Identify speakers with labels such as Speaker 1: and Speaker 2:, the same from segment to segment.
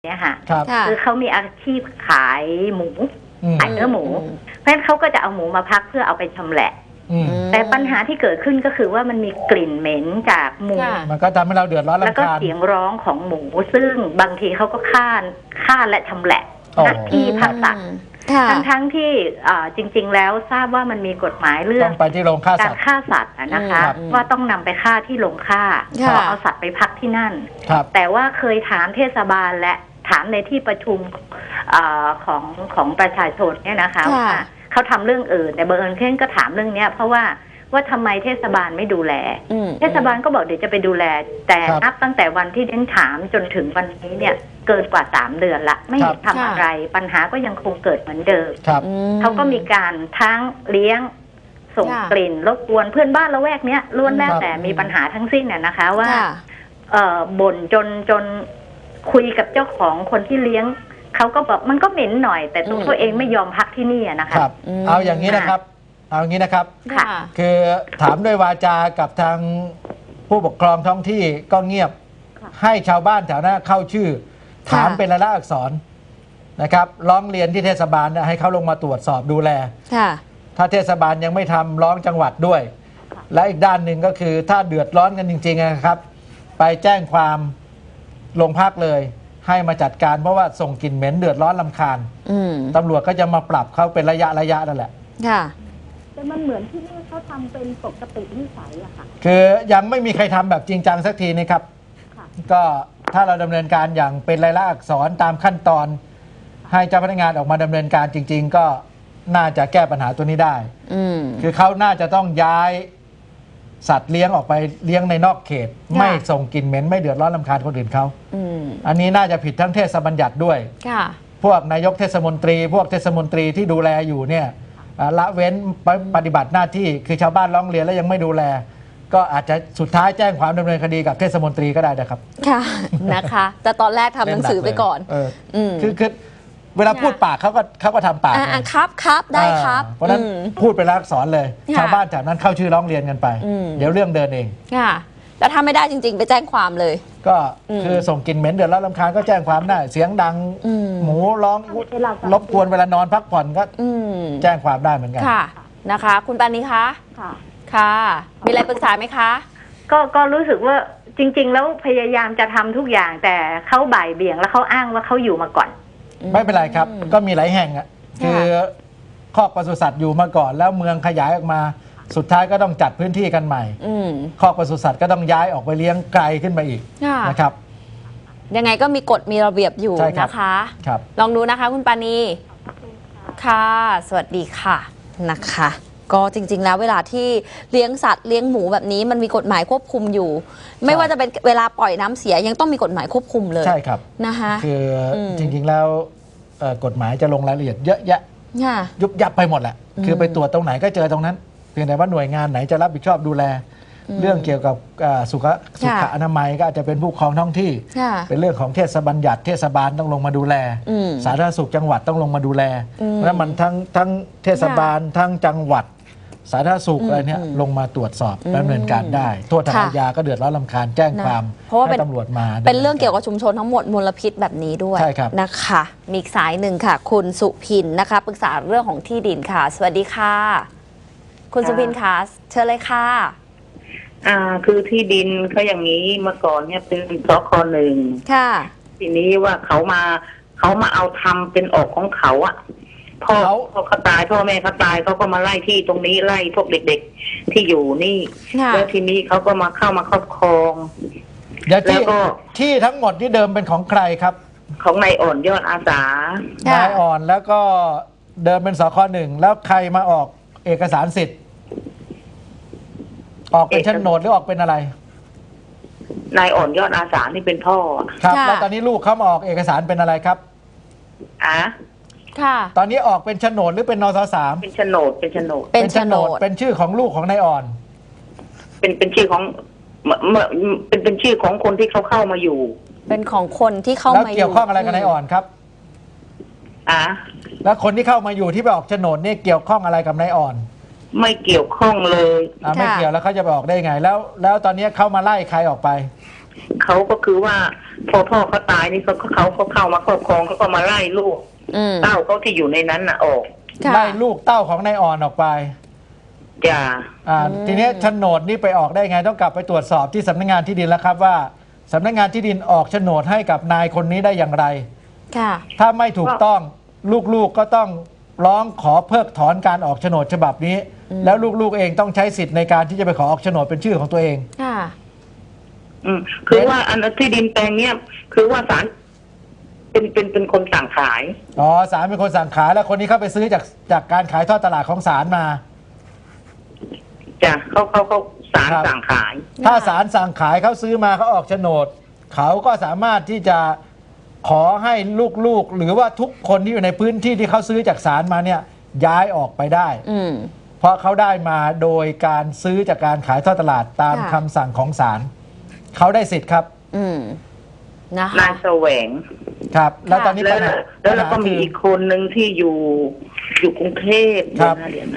Speaker 1: เนี่ยค่ะ
Speaker 2: ครับ
Speaker 1: คือเขามีอาชีพขายหมูขายเนื้อหมูเพราะฉะนั้นเขาก็จะเอาหมูมาพักเพื่อเอาไปชำแหละแต่ปัญหาที่เกิดขึ้นก็คือว่ามันมีกลิ่นเหม็นจากหมู
Speaker 2: มันก็ทำให้เราเดือดร้อนรำคาญ
Speaker 1: แล้วก็เสียงร้องของหมูซึ่งบางทีเขาก็ฆ่าและชำแหละที่พักสัตว์ทั้งที่จริงๆแล้วทราบว่ามันมีกฎหมายเรื่อง
Speaker 2: ไปที่โรงฆ่าสัตว์
Speaker 1: การฆ่าสัตว์นะคะว่าต้องนำไปฆ่าที่โรงฆ่าเอาสัตว์ไปพักที่นั่นแต่ว่าเคยถามเทศบาลและถามในที่ประชุมของประชาชนเนี่ยนะคะว่าเขาทำเรื่องอื่นแต่บังเอิญเข่นก็ถามเรื่องนี้เพราะว่าทำไมเทศบาลไม่ดูแลเทศบาลก็บอกเดี๋ยวจะไปดูแลแต่นับตั้งแต่วันที่เด่นถามจนถึงวันนี้เนี่ยเกินกว่า3 เดือนละไม่เห็นทำอะไรปัญหาก็ยังคงเกิดเหมือนเดิมเขาก็มีการทั้งเลี้ยงส่งกลิ่นรบกวนเพื่อนบ้านละแวกเนี้ยล้วนแล้วแต่มีปัญหาทั้งสิ้นเนี่ยนะคะว่าบ่นจนคุยกับเจ้าของคนที่เลี้ยงเขาก็บอกมันก็เหม็นหน่อยแต่ตัวเขาเองไม่ยอมพักที่นี่นะคะ
Speaker 2: เอาอย่างนี้นะครับคือถามด้วยวาจากับทางผู้ปกครองท้องที่ก็เงียบให้ชาวบ้านแถวนั้นเข้าชื่อถามเป็นลายลักษณ์อักษรนะครับร้องเรียนที่เทศบาลให้เขาลงมาตรวจสอบดูแลถ้าเทศบาลยังไม่ทำร้องจังหวัดด้วยและอีกด้านหนึ่งก็คือถ้าเดือดร้อนกันจริงๆนะครับไปแจ้งความโรงพักเลยให้มาจัดการเพราะว่าส่งกลิ่นเหม็นเดือดร้อนรำคาญตำรวจก็จะมาปรับเขาเป็นระยะนั่นแหละ
Speaker 3: แต่มันเหมือนที่นี่เขาทำเป็นปกตินิสัยอะค่ะ
Speaker 2: คือยังไม่มีใครทำแบบจริงจังสักทีนะครับก็ถ้าเราดำเนินการอย่างเป็นลายลักษณ์อักษรตามขั้นตอนให้เจ้าพนักงานออกมาดำเนินการจริงๆก็น่าจะแก้ปัญหาตัวนี้ได้คือเขาน่าจะต้องย้ายสัตว์เลี้ยงออกไปเลี้ยงในนอกเขตไม่ส่งกลิ่นเหม็นไม่เดือดร้อนรำคาญคนอื่นเขาอันนี้น่าจะผิดทั้งเทศบัญญัติด้วยพวกนายกเทศมนตรีพวกเทศมนตรีที่ดูแลอยู่เนี่ยละเว้นปฏิบัติหน้าที่คือชาวบ้านร้องเรียนแล้วยังไม่ดูแลก็อาจจะสุดท้ายแจ้งความดำเนินคดีกับเทศมนตรีก็ได้นะครับ
Speaker 4: ค่ะนะคะแต่ตอนแรกทำหนังสือไปก่อน
Speaker 2: คือเวลาพูดปากเขาก็ทำปาก
Speaker 4: ครับได้ครับ
Speaker 2: เพราะนั้นพูดไปแล้วสอนเลยชาวบ้านแถวนั้นเข้าชื่อร้องเรียนกันไปเดี๋ยวเรื่องเดินเอง
Speaker 4: ค่ะแล้วถ้าไม่ได้จริงๆไปแจ้งความเลย
Speaker 2: ก็คือส่งกลิ่นเหม็นเดือดร้อนรำคาญก็แจ้งความได้เสียงดังหมูร้องรบกวนเวลานอนพักผ่อนก็แจ้งความได้เหมือนกัน
Speaker 4: ค่ะนะคะคุณปานีคะค่ะมีอะไรปรึกษาไหมคะ
Speaker 1: ก็รู้สึกว่าจริงๆแล้วพยายามจะทำทุกอย่างแต่เขาบ่ายเบี่ยงแล้วเขาอ้างว่าเขาอยู่มาก่อน
Speaker 2: ไม่เป็นไรครับก็มีหลายแห่งอ่ะคือคอกปศุสัตว์อยู่มาก่อนแล้วเมืองขยายออกมาสุดท้ายก็ต้องจัดพื้นที่กันใหม่คอกปศุสัตว์ก็ต้องย้ายออกไปเลี้ยงไกลขึ้นไปอีกนะครับ
Speaker 4: ยังไงก็มีกฎมีระเบียบอยู่นะคะลองดูนะคะคุณปานีค่ะสวัสดีค่ะนะคะก็จริงๆแล้วเวลาที่เลี้ยงสัตว์เลี้ยงหมูแบบนี้มันมีกฎหมายควบคุมอยู่ไม่ว่าจะเป็นเวลาปล่อยน้ำเสียยังต้องมีกฎหมายควบคุมเลย
Speaker 2: ใช่ครับ
Speaker 4: นะคะ
Speaker 2: คือจริงๆแล้วกฎหมายจะลงรายละเอียดเยอะแยะยุบยับไปหมดแหละคือไปตรวจตรงไหนก็เจอตรงนั้นเพียงแต่ว่าหน่วยงานไหนจะรับผิดชอบดูแลเรื่องเกี่ยวกับสุขอนามัยก็อาจจะเป็นผู้ปกครองท้องที่เป็นเรื่องของเทศบัญญัติเทศบาลต้องลงมาดูแลสาธารณสุขจังหวัดต้องลงมาดูแลแล้วมันทั้งเทศบาลทั้งจังหวัดสาธารณสุขอะไรเนี่ยลงมาตรวจสอบดำเนินการได้โทษทางอาญาก็เดือดร้อนรำคาญแจ้งความให้ตำรวจมา
Speaker 4: เป็นเรื่องเกี่ยวกับชุมชนทั้งหมดมลพิษแบบนี้ด้วยนะคะมีอีกสายหนึ่งค่ะคุณสุพินนะคะปรึกษาเรื่องของที่ดินค่ะสวัสดีค่ะคุณสุพินค่ะเชิญเลยค่ะ
Speaker 5: คือที่ดินเขาอย่างนี้เมื่อก่อนเนี่ยเป็นสค.1
Speaker 4: ค่ะ
Speaker 5: ทีนี้ว่าเขามาเอาทำเป็นออกของเขาอะพ่อเขาตายพ่อแม่เขาตายเขาก็มาไล่ที่ตรงนี้ไล่พวกเด็กๆที่อยู่นี่แล้วทีนี้เขาก็มาเข้ามาครอบครอง
Speaker 2: แล้วก็ที่ทั้งหมดที่เดิมเป็นของใครครับ
Speaker 5: ของนายอ่อนยอดอาสาน
Speaker 2: ายอ่อนแล้วก็เดิมเป็นสค.1แล้วใครมาออกเอกสารสิทธิ์ออกเป็นโฉนดหรือออกเป็นอะไร
Speaker 5: นายอ่อนยอดอาสานี่เป็นพ่อ
Speaker 2: ครับแล้วตอนนี้ลูกเขามาออกเอกสารเป็นอะไรครับ
Speaker 4: ค่ะ
Speaker 2: ตอนนี้ออกเป็นโฉนดหรือเป็นนส.3
Speaker 5: เป็นโฉนดเป็น
Speaker 2: ชื่อของลูกของนายอ่อน
Speaker 5: เป็นชื่อของเป็นชื่อของคนที่เขาเข้ามาอยู่
Speaker 4: เป็นของคนที่เข้ามาอยู่
Speaker 2: แล้วเกี่ยวข้องอะไรกับนายอ่อนครับแล้วคนที่เข้ามาอยู่ที่ไปออกโฉนดนี่เกี่ยวข้องอะไรกับนายอ่อน
Speaker 5: ไม่เกี่ยวข้องเลย
Speaker 2: ไม่เกี่ยวแล้วเขาจะไปออกได้ไงแล้วตอนนี้เขามาไล่ใครออกไป
Speaker 5: เขาก็คือว่าพอพ่อเขาตายนี่เขาเข้ามาครอบครองเขาก็มาไล่ลูกเต้าเขาที่อยู่ในนั้นน่ะออก
Speaker 2: ไล่ลูกเต้าของนายอ่อนออกไป
Speaker 5: จ้า
Speaker 2: ทีนี้โฉนดนี่ไปออกได้ไงต้องกลับไปตรวจสอบที่สำนักงานที่ดินแล้วครับว่าสำนักงานที่ดินออกโฉนดให้กับนายคนนี้ได้อย่างไรถ้าไม่ถูกต้องลูกๆก็ต้องร้องขอเพิกถอนการออกโฉนดฉบับนี้แล้วลูกๆเองต้องใช้สิทธิ์ในการที่จะไปขอออกโฉนดเป็นชื่อของตัวเอง
Speaker 5: คือว่าอันที่ดินแปลงเนี้ยคือว่าศาลเป็นคนสั่งขาย
Speaker 2: ศาลเป็นคนสั่งขายแล้วคนนี้เข้าไปซื้อจากการขายทอดตลาดของศาลมา
Speaker 5: จ้ะเขาศาลสั่งขาย
Speaker 2: ถ้าศาลสั่งขายเขาซื้อมาเขาออกโฉนดเขาก็สามารถที่จะขอให้ลูกๆหรือว่าทุกคนที่อยู่ในพื้นที่ที่เขาซื้อจากศาลมาเนี่ยย้ายออกไปได้เพราะเขาได้มาโดยการซื้อจากการขายทอดตลาดตามคำสั่งของศาลเขาได้สิทธิ์ครับ
Speaker 4: นะคะ
Speaker 5: นายแสวง
Speaker 2: ครับแล้วตอนนี้
Speaker 5: แล้วก็มีอีกคนหนึ่งที่อยู่กรุงเทพ
Speaker 2: ครับ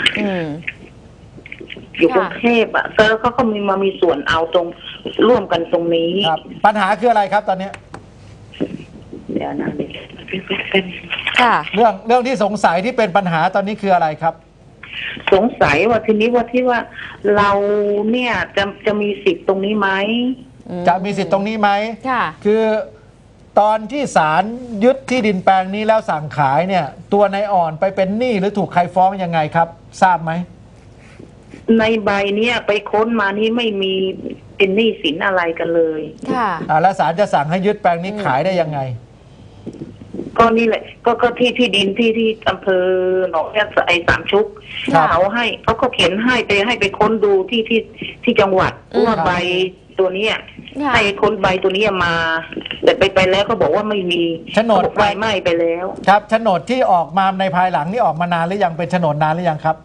Speaker 5: อยู่กรุงเทพอ่ะแล้วเขามีส่วนเอาตรงร่วมกันตรงนี้
Speaker 2: ปัญหาคืออะไรครับตอนนี้
Speaker 5: เดี๋ยวนะ
Speaker 2: เรื่องที่สงสัยที่เป็นปัญหาตอนนี้คืออะไรครับ
Speaker 5: สงสัยว่าที่ว่าเราเนี่ยจะมีสิทธิ์ตรงนี้ไหม
Speaker 2: จะมีสิทธิ์ตรงนี้ไหมคือตอนที่ศาลยึดที่ดินแปลงนี้แล้วสั่งขายเนี่ยตัวนายอ่อนไปเป็นหนี้หรือถูกใครฟ้องยังไงครับทราบไหม
Speaker 5: ในใบเนี่ยไปค้นมานี่ไม่มีเป็นหนี้สินอะไรกันเลย
Speaker 2: แล้วศาลจะสั่งให้ยึดแปลงนี้ขายได้ยังไง
Speaker 5: ก็นี่แหละก็ที่ดินที่อำเภอหนองแยกไอ้สามชุกเขาก็เขียนให้ไปค้นดูที่จังหวัดว่าใบตัวนี้ให้ค้นใบตัวนี้มาแต่ไปแล้วก็บอกว่าไม่มี
Speaker 2: โฉนด
Speaker 5: ไฟไหม้ไปแล้ว
Speaker 2: ครับโฉนดที่ออกมาในภายหลังนี่ออกมานานหรือยังเป็นโฉนดนานหรือยังครับ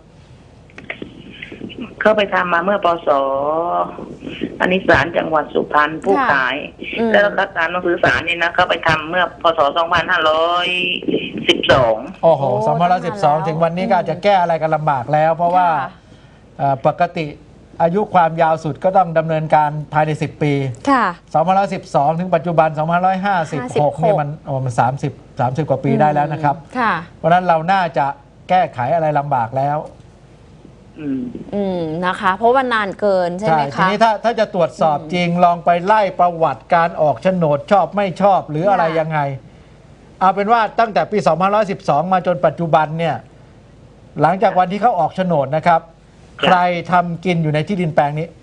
Speaker 5: เขาไปทำมาเมื่อปศอันนี้ศาลจังหวัดสุพรรณผู้ขายแล้วก็ศาลหนังสือศาลนี่นะเขาไปทำเมื่อพศ2512
Speaker 2: โอ้โห2512ถึงวันนี้ก็อาจจะแก้อะไรกันลำบากแล้วเพราะว่าปกติอายุความยาวสุดก็ต้องดำเนินการภายใน10 ปี2512ถึงปัจจุบัน2556นี่มัน30 กว่าปีได้แล้วนะครับเพราะฉะนั้นเราน่าจะแก้ไขอะไรลำบากแล้ว
Speaker 4: นะคะเพราะว่านานเกินใช่ไหมคะ
Speaker 2: ทีนี้ถ้าจะตรวจสอบจริงลองไปไล่ประวัติการออกโฉนดชอบไม่ชอบหรืออะไรยังไงเอาเป็นว่าตั้งแต่ปี2512มาจนปัจจุบันเนี่ยหลังจากวันที่เขาออกโฉนดนะครับใครทำกินอยู่ในที่ดินแปลงนี้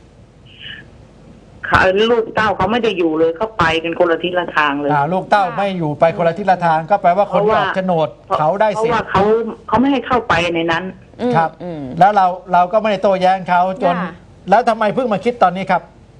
Speaker 5: ลูกเต้าเขาไม่ได้อยู่เลยเขาไปกันคนละทิศละทางเลย
Speaker 2: ลูกเต้าไม่อยู่ไปคนละทิศละทางก็แปลว่าคนที่ออกโฉนดเขาได้สิทธิ์
Speaker 5: เพราะว่าเขาไม่ให้เข้าไปในนั้น
Speaker 2: ครับแล้วเราก็ไม่ได้โต้แย้งเขาจนแล้วทำไมเพิ่งมาคิดตอนนี้ครับ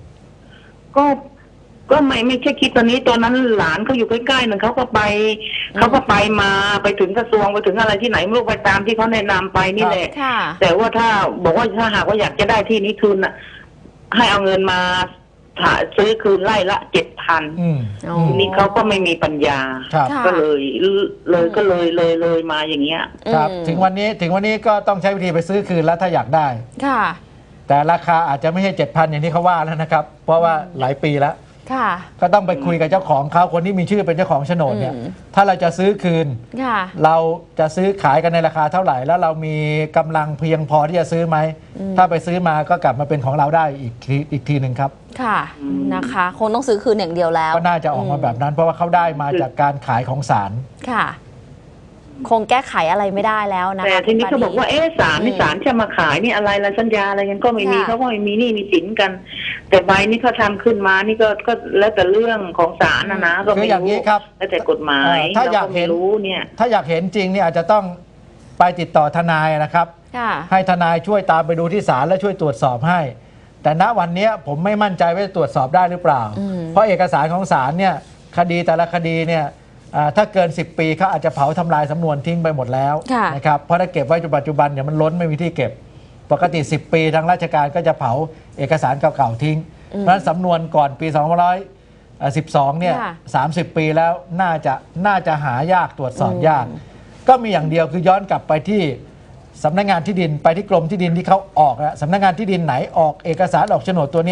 Speaker 5: ก็ไม่ใช่คิดตอนนี้ตอนนั้นหลานเขาอยู่ใกล้ๆหนึ่งเขาก็ไปมาไปถึงกระทรวงไปถึงอะไรที่ไหนไม่รู้ไปตามที่เขาแนะนำไปนี่แหละแต่ว่าถ้าบอกว่าถ้าหากว่าอยากจะได้ที่นี้คืนน่ะให้เอาเงินมาซื้อคืนไร่ละ7,000ทีนี้เขาก็ไม่มีปัญญาก็เลยมาอย่างเงี้ย
Speaker 2: ครับถึงวันนี้ก็ต้องใช้วิธีไปซื้อคืนแล้วถ้าอยากได้แต่ราคาอาจจะไม่ใช่ 7,000 อย่างที่เขาว่าแล้วนะครับเพราะว่าหลายปีแล้วก็ต้องไปคุยกับเจ้าของเขาคนที่มีชื่อเป็นเจ้าของโฉนดเนี่ยถ้าเราจะซื้อคืนเราจะซื้อขายกันในราคาเท่าไหร่แล้วเรามีกำลังเพียงพอที่จะซื้อไหมถ้าไปซื้อมาก็กลับมาเป็นของเราได้อีกทีหนึ่งครับ
Speaker 4: ค่ะนะคะคงต้องซื้อคืนอย่างเดียวแล้ว
Speaker 2: ก็น่าจะออกมาแบบนั้นเพราะว่าเขาได้มาจากการขายของศาล
Speaker 4: ค่ะคงแก้ไขอะไรไม่ได้แล้วนะคะ
Speaker 5: แต่ทีนี้เขาบอกว่าศาลจะมาขายนี่อะไรละสัญญาอะไรกันก็ไม่มีเขาก็ไม่มีนี่มีสินกันแต่ใบนี้เขาทำขึ้นมานี่ก็แล้วแต่เรื่องของศาลนะก็ไม่
Speaker 2: รู้
Speaker 5: แล้วแต่กฎหมาย
Speaker 2: ถ้าอยากเห็นเนี่ยถ้าอยากเห็นจริงเนี่ยอาจจะต้องไปติดต่อทนายนะครับให้ทนายช่วยตามไปดูที่ศาลและช่วยตรวจสอบให้แต่ณวันนี้ผมไม่มั่นใจว่าจะตรวจสอบได้หรือเปล่าเพราะเอกสารของศาลเนี่ยคดีแต่ละคดีเนี่ยถ้าเกิน10 ปีเขาอาจจะเผาทำลายสำนวนทิ้งไปหมดแล้วนะครับเพราะถ้าเก็บไว้จนปัจจุบันเนี่ยมันล้นไม่มีที่เก็บปกติ10 ปีทางราชการก็จะเผาเอกสารเก่าๆทิ้งเพราะฉะนั้นสำนวนก่อนปี2512เนี่ย30 ปีแล้วน่าจะหายากตรวจสอบยากก็มีอย่างเดียวคือย้อนกลับไปที่สำนักงานที่ดินไปที่กรมที่ดินที่เขาออกสำนักงานที่ดินไหนออกเอกสารออกโฉนดตัวนี้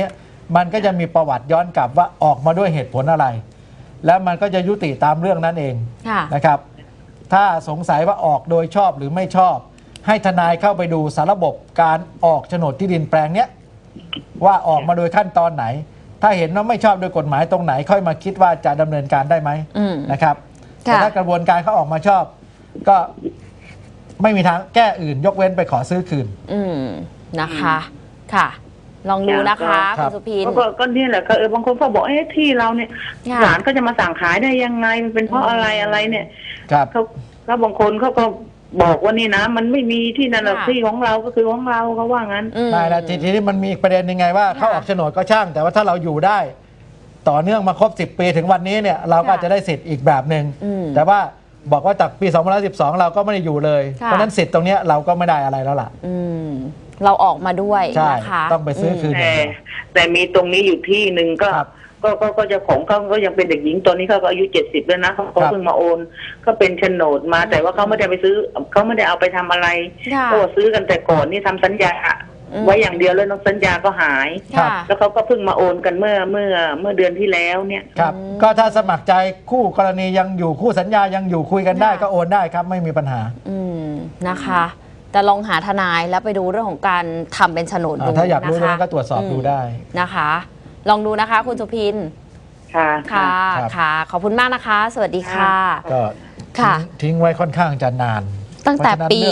Speaker 2: มันก็จะมีประวัติย้อนกลับว่าออกมาด้วยเหตุผลอะไร แล้วมันก็จะยุติตามเรื่องนั้นเองนะครับถ้าสงสัยว่าออกโดยชอบหรือไม่ชอบให้ทนายเข้าไปดูสารระบบการออกโฉนดที่ดินแปลงเนี้ยว่าออกมาโดยขั้นตอนไหนถ้าเห็นว่าไม่ชอบโดยกฎหมายตรงไหนค่อยมาคิดว่าจะดำเนินการได้ไหมนะครับแต่ถ้ากระบวนการเขาออกมาชอบก็ไม่มีทางแก้อื่นยกเว้นไปขอซื้อคืน
Speaker 4: นะคะค่ะลองดูนะคะคุณสุพิน
Speaker 5: ก็นี่แหละก็บางคนก็บอกที่เราเนี่ยศาลก็จะมาสั่งขายได้ยังไงมันเป็นเพราะอะไรเนี่ยเขาบางคนเขาก็บอกว่านี่นะมันไม่มีที่นั่นหรอกที่ของเราก็คือของเราเขาว่างั้น
Speaker 2: ได้แล้วทีนี้มันมีอีกประเด็นยังไงว่าเขาออกโฉนดก็ช่างแต่ว่าถ้าเราอยู่ได้ต่อเนื่องมาครบ10 ปีถึงวันนี้เนี่ยเราก็จะได้สิทธิ์อีกแบบหนึ่งแต่ว่าบอกว่าจากปี2012เราก็ไม่ได้อยู่เลยเพราะนั้นสิทธิ์ตรงนี้เราก็ไม่ได้อะไรแล้วล่ะ
Speaker 4: เราออกมาด้วยนะคะ
Speaker 2: ต้องไปซื้อคืน
Speaker 5: แต่มีตรงนี้อยู่ที่หนึ่งก็เจ้าของเขาก็ยังเป็นเด็กหญิงตอนนี้เขาก็อายุ70แล้วนะเขาเพิ่งมาโอนก็เป็นโฉนดมาแต่ว่าเขาไม่ได้ไปซื้อเขาไม่ได้เอาไปทำอะไรก็ซื้อกันแต่ก่อนนี่ทำสัญญาไว้อย่างเดียวแล้วน้องสัญญาก็หายแล้วเขาก็เพิ่งมาโอนกันเมื่อเดือนที่แล้วเนี่ย
Speaker 2: ครับก็ถ้าสมัครใจคู่กรณียังอยู่คู่สัญญายังอยู่คุยกันได้ก็โอนได้ครับไม่มีปัญหา
Speaker 4: นะคะแต่ลองหาทนายแล้วไปดูเรื่องของการทำเป็นโฉนดดู
Speaker 2: ถ้าอยากรู้เรื่องก็ตรวจสอบดูได้
Speaker 4: นะคะลองดูนะคะคุณสุพินค่ะขอบคุณมากนะคะสวัสดีค่ะ
Speaker 2: ก็ทิ้งไว้ค่อนข้างจะนาน
Speaker 4: ตั้งแต่ปี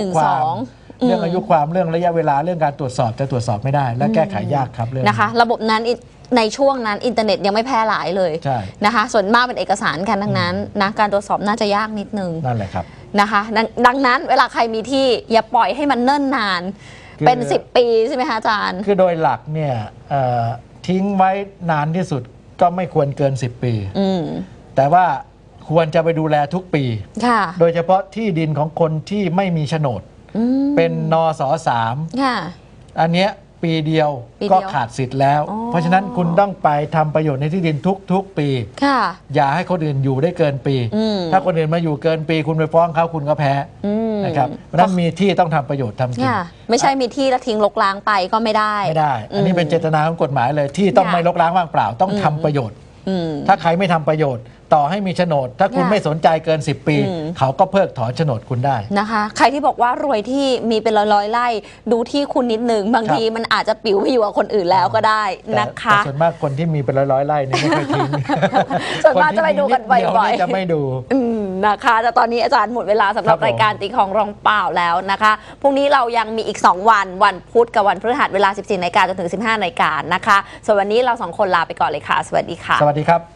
Speaker 4: 12
Speaker 2: เรื่องอายุความเรื่องระยะเวลาเรื่องการตรวจสอบจะตรวจสอบไม่ได้และแก้ไขยากครับเรื่อง
Speaker 4: นะคะระบบนั้นในช่วงนั้นอินเทอร์เน็ตยังไม่แพร่หลายเลยนะคะส่วนมากเป็นเอกสารกันทั้งนั้นนะการตรวจสอบน่าจะยากนิดนึง
Speaker 2: นั่นแหละครับ
Speaker 4: นะคะดังนั้นเวลาใครมีที่อย่าปล่อยให้มันเนิ่นนานเป็น10 ปีใช่ไหมคะอาจารย์
Speaker 2: คือโดยหลักเนี่ยทิ้งไว้นานที่สุดก็ไม่ควรเกิน10 ปีแต่ว่าควรจะไปดูแลทุกปีโดยเฉพาะที่ดินของคนที่ไม่มีโฉนดเป็นนส.3อันเนี้ยปีเดียวก็ขาดสิทธิ์แล้วเพราะฉะนั้นคุณต้องไปทำประโยชน์ในที่ดินทุกปีอย่าให้คนอื่นอยู่ได้เกินปีถ้าคนอื่นมาอยู่เกินปีคุณไปฟ้องเขาคุณก็แพ้นะครับเพราะนั้นมีที่ต้องทำประโยชน์ทำกิน
Speaker 4: ไม่ใช่มีที่แล้วทิ้งรกร้างไปก็ไม่ได้
Speaker 2: อันนี้เป็นเจตนาของกฎหมายเลยที่ต้องไม่รกร้างว่างเปล่าต้องทำประโยชน์ถ้าใครไม่ทำประโยชน์ต่อให้มีโฉนดถ้าคุณไม่สนใจเกิน10 ปีเขาก็เพิกถอนโฉนดคุณได้
Speaker 4: นะคะใครที่บอกว่ารวยที่มีเป็นร้อยไร่ดูที่คุณนิดนึงบางทีมันอาจจะปิวไปอยู่กับคนอื่นแล้วก็ได้นะคะ
Speaker 2: ส่วนมากคนที่มีเป็นร้อยไร่นี่ไม่ค่อยทิ้ง
Speaker 4: ส่วนมากจะไปดูกันบ่อย
Speaker 2: ๆจะไม่ดู
Speaker 4: นะคะแต่ตอนนี้อาจารย์หมดเวลาสำหรับรายการตีของรองเปล่าแล้วนะคะพรุ่งนี้เรายังมีอีก2 วันพุธกับวันพฤหัสเวลา 14 นาฬิกาจนถึง 15 นาฬิกานะคะส่วนวันนี้เรา2 คนลาไปก่อนเลยค่ะสวัสดีค่ะ
Speaker 2: สวัสดีครับ